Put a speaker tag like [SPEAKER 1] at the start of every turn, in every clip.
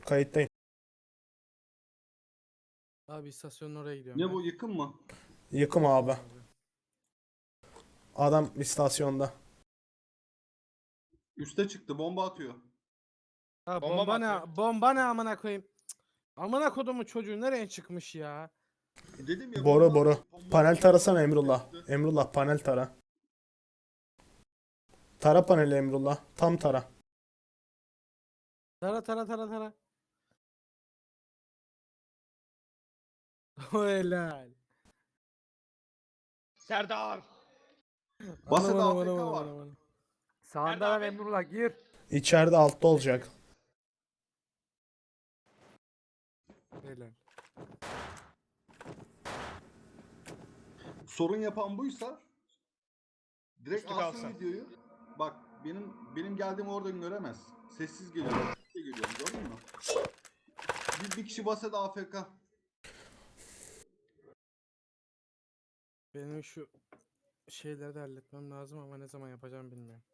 [SPEAKER 1] Kayıttayım.
[SPEAKER 2] Abi istasyonun oraya gidiyorum
[SPEAKER 3] Ne
[SPEAKER 2] ben.
[SPEAKER 3] bu, yıkım mı?
[SPEAKER 1] Yıkım abi. Adam istasyonda.
[SPEAKER 3] Üste çıktı, bomba atıyor.
[SPEAKER 2] Ha,
[SPEAKER 4] Bomba
[SPEAKER 2] bomba
[SPEAKER 4] mı atıyor?
[SPEAKER 2] ne? Bomba ne amına koyayım? Cık. Amına kodumun çocuğu nereye çıkmış ya?
[SPEAKER 3] Dedim ya,
[SPEAKER 1] Boru
[SPEAKER 3] bomba
[SPEAKER 1] boru.
[SPEAKER 3] atıyor, bomba
[SPEAKER 1] Panel
[SPEAKER 3] atıyor.
[SPEAKER 1] tarasana Emrullah.
[SPEAKER 3] Üstü.
[SPEAKER 1] Emrullah panel tara. Tara paneli Emrullah. Tam tara.
[SPEAKER 2] Tara tara tara tara. O helal.
[SPEAKER 4] Serdar.
[SPEAKER 3] Basede
[SPEAKER 2] Anam, anam,
[SPEAKER 3] AFK
[SPEAKER 2] anam,
[SPEAKER 3] var.
[SPEAKER 2] anam, anam.
[SPEAKER 4] Sağında lan
[SPEAKER 5] Emrullah gir.
[SPEAKER 1] İçeride altta olacak.
[SPEAKER 2] Helal.
[SPEAKER 3] Sorun yapan buysa direkt
[SPEAKER 4] Üstü
[SPEAKER 3] alsın
[SPEAKER 4] kalsın.
[SPEAKER 3] videoyu. Bak benim geldiğimi oradan göremez. Sessiz geliyor. Geliyor, gördün mü? Bir kişi basede AFK.
[SPEAKER 2] Benim şu şeyleri de halletmem lazım ama ne zaman yapacağım bilmiyorum.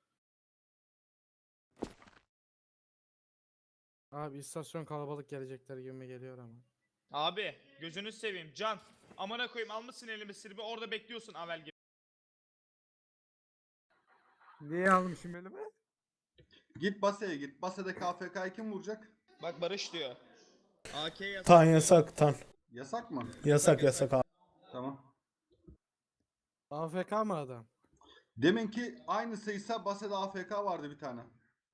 [SPEAKER 2] Abi istasyon kalabalık gelecekler gibi geliyor ama.
[SPEAKER 4] Abi gözünü seveyim Can. Amına koyayım, almışsın elimi sirbi orada bekliyorsun Avel gibi.
[SPEAKER 5] Niye almışım elime?
[SPEAKER 3] Git baseye git. Basede KFK'yı kim vuracak?
[SPEAKER 4] Bak Barış diyor. AK yasak.
[SPEAKER 1] Tan yasak tan.
[SPEAKER 3] Yasak mı?
[SPEAKER 1] Yasak yasak abi.
[SPEAKER 3] Tamam.
[SPEAKER 2] AFK mı adam?
[SPEAKER 3] Deminki aynı sayısa basede AFK vardı bir tane.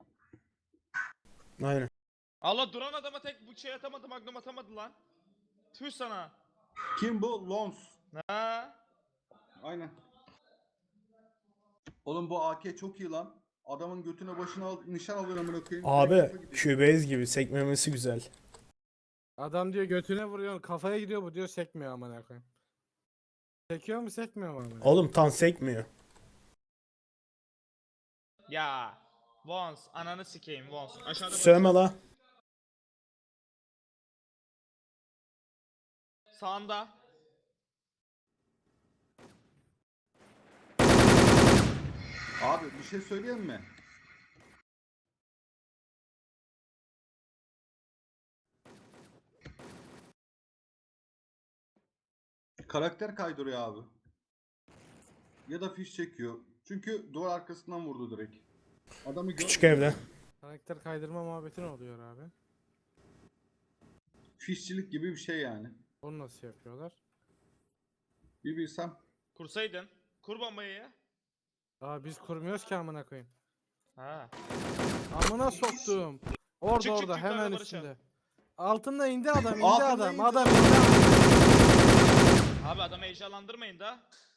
[SPEAKER 1] Aynen.
[SPEAKER 4] Allah, duran adama tek bu şey atamadı, magnum atamadı lan. Tüh sana.
[SPEAKER 3] Kim bu? Lons.
[SPEAKER 4] Ha?
[SPEAKER 3] Aynen. Oğlum bu AK çok iyi lan. Adamın götüne başına nişan alıyor amına koyayım.
[SPEAKER 1] Abi
[SPEAKER 3] Direkt kafa gidiyor.
[SPEAKER 1] Cubase gibi sekmemesi güzel.
[SPEAKER 2] Adam diyor götüne vuruyor, kafaya gidiyor, bu diyor sekmiyor amına koyayım. Sekiyor mu sekmiyor mu amına?
[SPEAKER 1] Oğlum tan sekmiyor.
[SPEAKER 4] Ya. Vons ananı sikeyim Vons. Aşağıda
[SPEAKER 1] Sövme
[SPEAKER 4] Barış var.
[SPEAKER 1] la.
[SPEAKER 4] Sağında.
[SPEAKER 3] Abi bir şey söyleyeyim mi? Karakter kaydırıyor abi. Ya da fiş çekiyor. Çünkü duvar arkasından vurdu direkt. Adamı
[SPEAKER 1] Küçük
[SPEAKER 3] görmüyor.
[SPEAKER 1] evde.
[SPEAKER 2] Karakter kaydırma muhabbeti ne oluyor abi?
[SPEAKER 3] Fişçilik gibi bir şey yani.
[SPEAKER 2] Onu nasıl yapıyorlar?
[SPEAKER 3] Bir bilsem.
[SPEAKER 4] Kursaydın. Kur bombayı ya.
[SPEAKER 2] Aa biz kurmuyoruz ki amına koyayım.
[SPEAKER 4] Ha.
[SPEAKER 2] Amına soktum. Orada
[SPEAKER 4] Çık, çık,
[SPEAKER 2] orada
[SPEAKER 4] çık,
[SPEAKER 2] hemen
[SPEAKER 4] yukarıda Barış
[SPEAKER 2] üstünde. Altında indi adam, indi
[SPEAKER 3] Altında
[SPEAKER 2] adam,
[SPEAKER 3] indi
[SPEAKER 2] adam
[SPEAKER 3] adam.
[SPEAKER 2] indi.
[SPEAKER 4] Abi adamı heyecanlandırmayın da.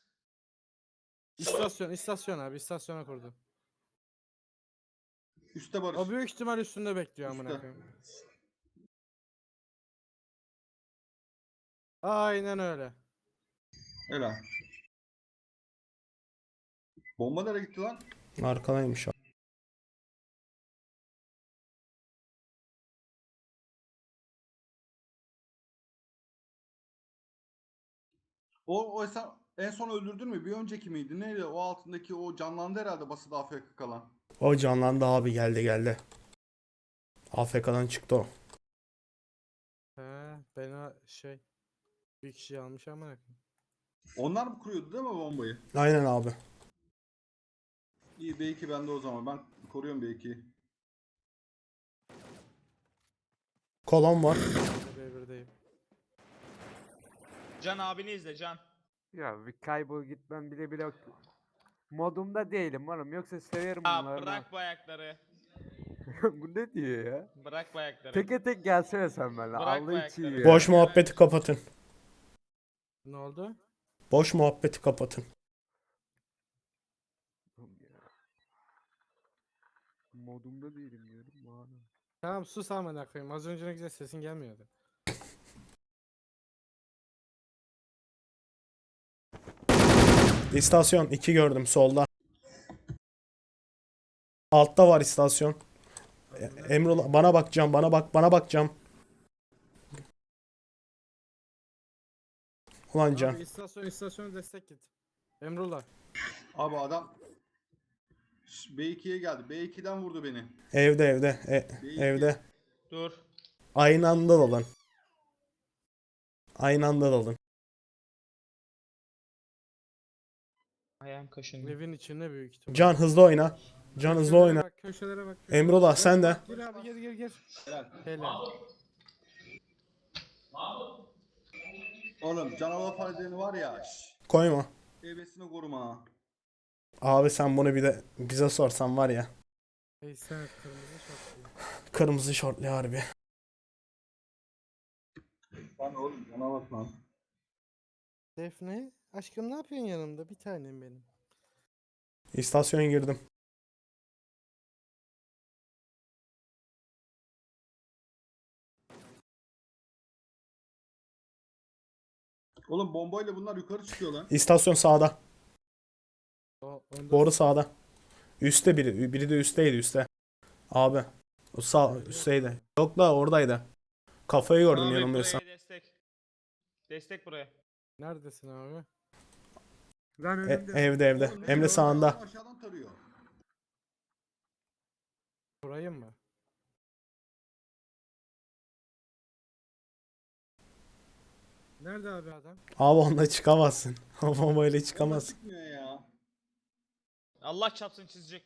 [SPEAKER 2] İstasyon abi, istasyona kurdu.
[SPEAKER 3] Üste Barış.
[SPEAKER 2] O büyük ihtimal üstünde bekliyor amına
[SPEAKER 3] Üstte.
[SPEAKER 2] koyayım. Aynen öyle.
[SPEAKER 3] Helal. Bomba nereye gitti lan?
[SPEAKER 1] Arkadaymış abi.
[SPEAKER 3] O sen en son öldürdün mü? Bir önceki miydi? Neydi? O altındaki o canlandı herhalde basıda AFK kalan.
[SPEAKER 1] O canlandı abi, geldi geldi. AFK'dan çıktı o.
[SPEAKER 2] He, beni bir kişi almış amına koyayım.
[SPEAKER 3] Onlar mı kuruyordu değil mi bombayı?
[SPEAKER 1] Aynen abi.
[SPEAKER 3] İyi, B2 bende o zaman. Ben koruyorum B2'yi.
[SPEAKER 1] Kolon var.
[SPEAKER 2] B1'deyim.
[SPEAKER 4] Can abini izle Can.
[SPEAKER 5] Ya bir kaybol gitmem bile bile modumda değilim oğlum, yoksa severim
[SPEAKER 4] Ya
[SPEAKER 5] bunları.
[SPEAKER 4] bırak bu ayakları.
[SPEAKER 5] Bu ne diyor ya?
[SPEAKER 4] Bırak bu ayakları.
[SPEAKER 5] Teke tek gelsene sen benimle.
[SPEAKER 4] Bırak
[SPEAKER 5] Allah
[SPEAKER 4] bu
[SPEAKER 5] için
[SPEAKER 4] ayakları.
[SPEAKER 5] ya.
[SPEAKER 1] Boş muhabbeti kapatın.
[SPEAKER 2] Ne oldu?
[SPEAKER 1] Boş muhabbeti kapatın.
[SPEAKER 5] Modumda değilim diyorum bana.
[SPEAKER 2] Tamam sus amına koyayım. Az önce ne güzel sesin gelmiyordu.
[SPEAKER 1] İstasyon 2 gördüm solda. Altta var istasyon. Emrullah bana bakacağım, bana bakacağım. Ulan Can.
[SPEAKER 2] Abi istasyona destek git. Emrullah.
[SPEAKER 3] Abi adam B2'ye geldi. B2'den vurdu beni.
[SPEAKER 1] Evde
[SPEAKER 3] B2.
[SPEAKER 1] evde.
[SPEAKER 4] Dur.
[SPEAKER 1] Aynı anda dalın. Aynı anda dalın.
[SPEAKER 4] Ayağım kaşındı.
[SPEAKER 2] Evin içinde büyük ihtimal.
[SPEAKER 1] Can hızlı oyna. Can hızlı oyna.
[SPEAKER 2] Bak, köşelere bak.
[SPEAKER 1] Emrullah sen de.
[SPEAKER 2] Gir abi, gir.
[SPEAKER 3] Helal.
[SPEAKER 2] Helal.
[SPEAKER 3] Oğlum canavar faydeni var ya.
[SPEAKER 1] Koyma.
[SPEAKER 3] Ebesini koruma ha.
[SPEAKER 1] Abi sen bunu bir de bize sorsan var ya.
[SPEAKER 2] Ey sen kırmızı şapkalı.
[SPEAKER 1] Kırmızı şortlu harbi.
[SPEAKER 3] Lan oğlum canavar lan.
[SPEAKER 2] Defne, aşkım ne yapıyorsun yanımda? Bir tanem benim.
[SPEAKER 1] İstasyona girdim.
[SPEAKER 3] Oğlum bombayla bunlar yukarı çıkıyor lan.
[SPEAKER 1] İstasyon sağda.
[SPEAKER 2] Onda
[SPEAKER 1] Doğru sağda. Üste biri. Biri de üstteydi üstte. Abi. O sağ üstteydi. Yok da oradaydı. Kafayı gördüm
[SPEAKER 4] Abi
[SPEAKER 1] yanılmıyorsam.
[SPEAKER 4] buraya destek. Destek buraya.
[SPEAKER 2] Neredesin abi?
[SPEAKER 5] Lan
[SPEAKER 1] E,
[SPEAKER 5] önümde.
[SPEAKER 1] evde.
[SPEAKER 3] Oğlum,
[SPEAKER 1] Emre sağında.
[SPEAKER 3] Aşağıdan tarıyor.
[SPEAKER 2] Burayı mı? Nerede abi adam?
[SPEAKER 1] Abi onunla çıkamazsın. O bombayla
[SPEAKER 3] Ama
[SPEAKER 1] çıkamazsın.
[SPEAKER 3] çıkmıyor ya.
[SPEAKER 4] Allah çapsın çizecek.